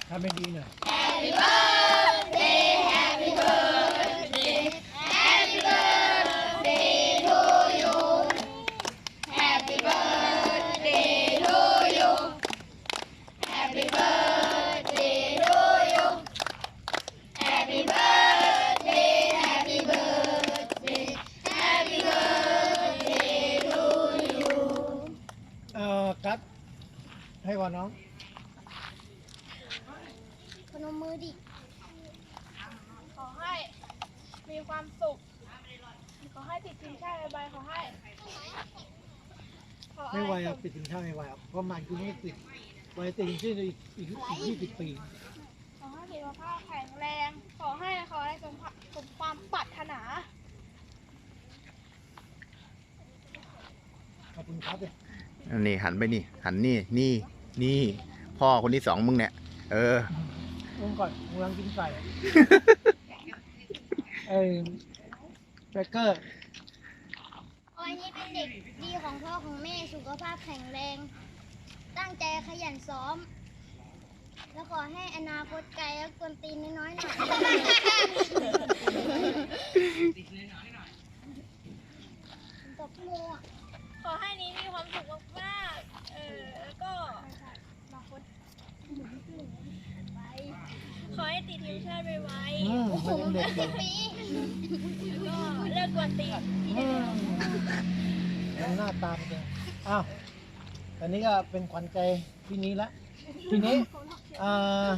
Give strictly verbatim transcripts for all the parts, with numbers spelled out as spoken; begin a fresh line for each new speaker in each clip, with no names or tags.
ทำเป็นดีหน่อย
Happy birthday Happy birthday Happy birthday to you Happy birthday to you Happy birthday to you Happy birthday Happy birthday Happy birthday to you
เอ่อกัดให้ก่อนน้อง
พนมมือดิ
ขอให้มีความสุข ขอให้ติดทีมชาติใบขอให้ขอ
ไม่ไหว
ให้
อ่ะปิดถึงเท่าไม่ไหวอ่ะเพราะมันกูไม่ติดไว้ติดที่อีกอีกอีกยี่สิบปี
ขอให้สุขภาพแข็งแรง ขอให้ขอให้สมภาสมความปรารถนา
ขอบคุณครับเลย
นี่หันไปนี่หันนี่นี่นี่พ่อคนที่สองมึงเนี่ยเออ
อุ้มก่อนกำลังกินไก่ไอ้เบเกอร์
ออยนี่เป็นเด็กดีของพ่อของแม่สุขภาพแข็งแรง ตั้งใจขยันซ้อม แล้วขอให้อนาคตไกลแล้วกวนตีนน้อยๆหน่อยตบมือ
ขอให้นี้มีความสุขมากๆเออแล้วก็ขอให้ติดทีมชาติไว
อืมมันยังเด็กอยู่
ปี
ๆแล้วก็เลิกกวนตีน
อืมยังหน้าตามเลยอ้าวตอนนี้ก็เป็นขวัญใจพี่นี้ละทีนี้อ่า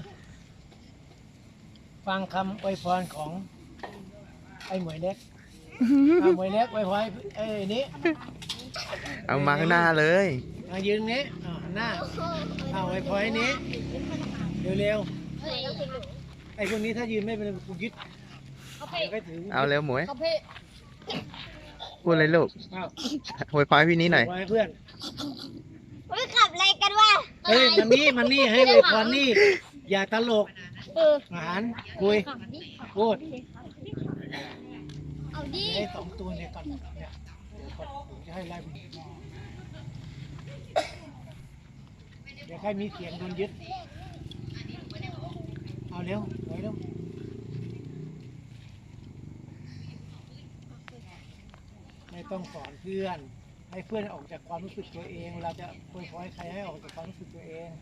ฟังคำอวยพรของไอ้หมวยเล็กอ่าหมวยเล็กอวยพรไอ้นี้
เอามาข้างหน้าเลย
มายืนนี้อ่าหน้าเอาอวยพรไอ้นี้เร็วๆไอ้พวกนี้ถ้ายืนไม่เป็นกูยึดเดี๋ยวก็ถือ
เอาเร็วหมวย
เขาเพ่
พูดเลยลูก
อ้าว
อวยพรให้พี่นี้หน่อย
อวยพรให้เพื่อน
เฮ้ยขับอะไรกันวะ
เฮ้ยมันนี่มันนี่ให้อวยพรนี่อย่าตลก
เออ
อาหารคุยพูด
เอาดิ
ไอ้สองตัวเนี่ยก่อนเนี่ยเดี๋ยวก่อนผมจะให้ไล่ไปเดี๋ยวใครมีเสียงโดนยึดเอาเร็วไปเร็วไม่ต้องสอนเพื่อน ให้เพื่อนออกจากความรู้สึกตัวเองเราจะคุยขอให้ใครให้ออกจากความรู้สึกตัวเอง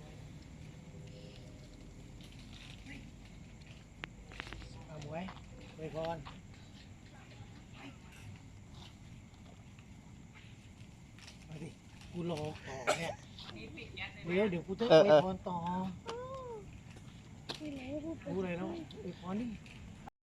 เอาหมวยไปพรมาดิกูรอต่อเนี่ยเดี๋ยวเดี๋ยวกูจะไปพรต่อกูเลยเนาะไปพรดิ